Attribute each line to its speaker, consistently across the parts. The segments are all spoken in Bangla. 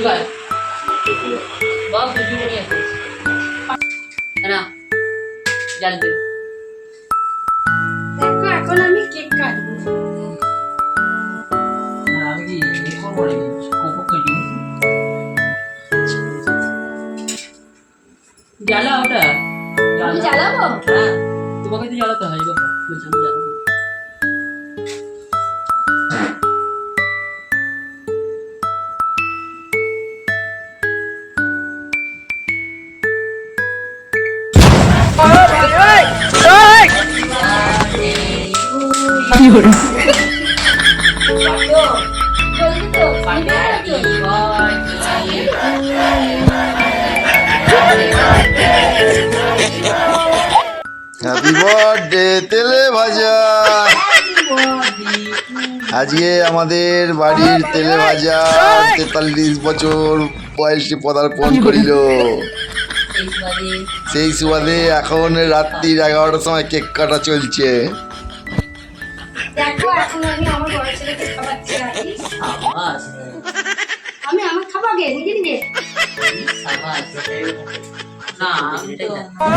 Speaker 1: গায় বাবা বুঝি বলি আছে না জ্বালবে
Speaker 2: দেখো এখন আমি কেক কাটবো
Speaker 1: আমি কি এই করবো নাকি কোকো কেজি জ্বালা ওটা
Speaker 2: আমি জ্বালাবো
Speaker 1: হ্যাঁ তোমাকে তো জ্বালাতে হয় বাবা বলছি আমি জ্বালাবো
Speaker 3: হ্যাপি বার্থডে তেলে ভাজা। আজকে আমাদের বাড়ির তেলে ভাজা 43 বছর বয়সে পদার্পণ করিল। সেই সুবাদে এখন রাত্রি 11টার সময় কেক কাটা চলছে।
Speaker 2: দেখো এখন আমি আমার বড় ছেলেকে খাওয়াচ্ছি
Speaker 1: সাবাস
Speaker 2: আমি আমার খাবো আগে নিজে নিজে
Speaker 1: সাবাস না আমি তো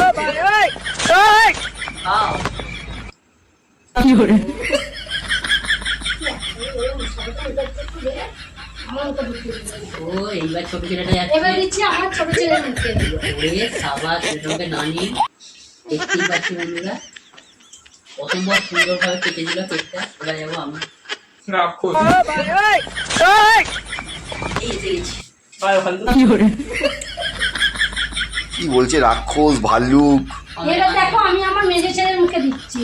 Speaker 1: খাও
Speaker 2: আমার মুখে ঢুকিয়ে দিচ্ছে।
Speaker 1: ও এইবার ছোট ছেলেটা
Speaker 2: এবার
Speaker 1: যাচ্ছে
Speaker 2: দিচ্ছি আমার ছোট ছেলের মুখে
Speaker 1: ওরে সাবাস ছোটকে নানি দেখতেই পাচ্ছি বন্ধুরা প্রথমবার সুন্দরভাবে কেটে দিল কেকটা এবার যাবো আমি এই এসে গেছি
Speaker 3: কি বলছে রাক্ষস ভাল্লুক?
Speaker 2: এবার দেখো আমি আমার মেজে ছেলের মুখে দিচ্ছি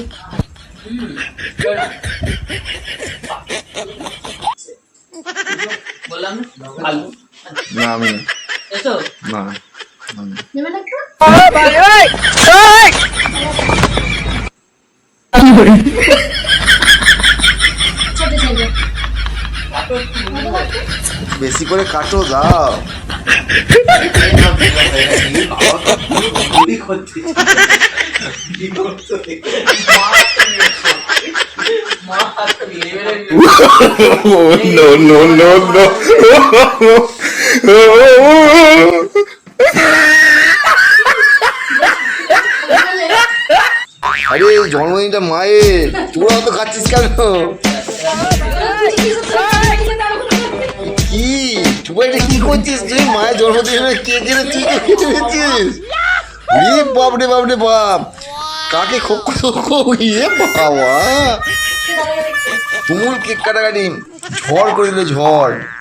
Speaker 1: বললাম ভালো
Speaker 3: না আমি
Speaker 1: এসো
Speaker 3: না
Speaker 2: নেবে না একটু ছোট ছেলে
Speaker 3: বেশি করে কাটো দাও। No, no, no, no. আরে জন্মদিনটা মায়ের, তোরা তো খাচ্ছিস কেন? কি তুই এটা কি করছিস? তুই মায়ের জন্মদিনে কেক এনে তুই খেতে দিচ্ছিস? বাপরে বাপরে বাপ, কাকে ইয়ে বাবা তুমুল কেক কাটাকাটি ঝড় করে দিল ঝড়।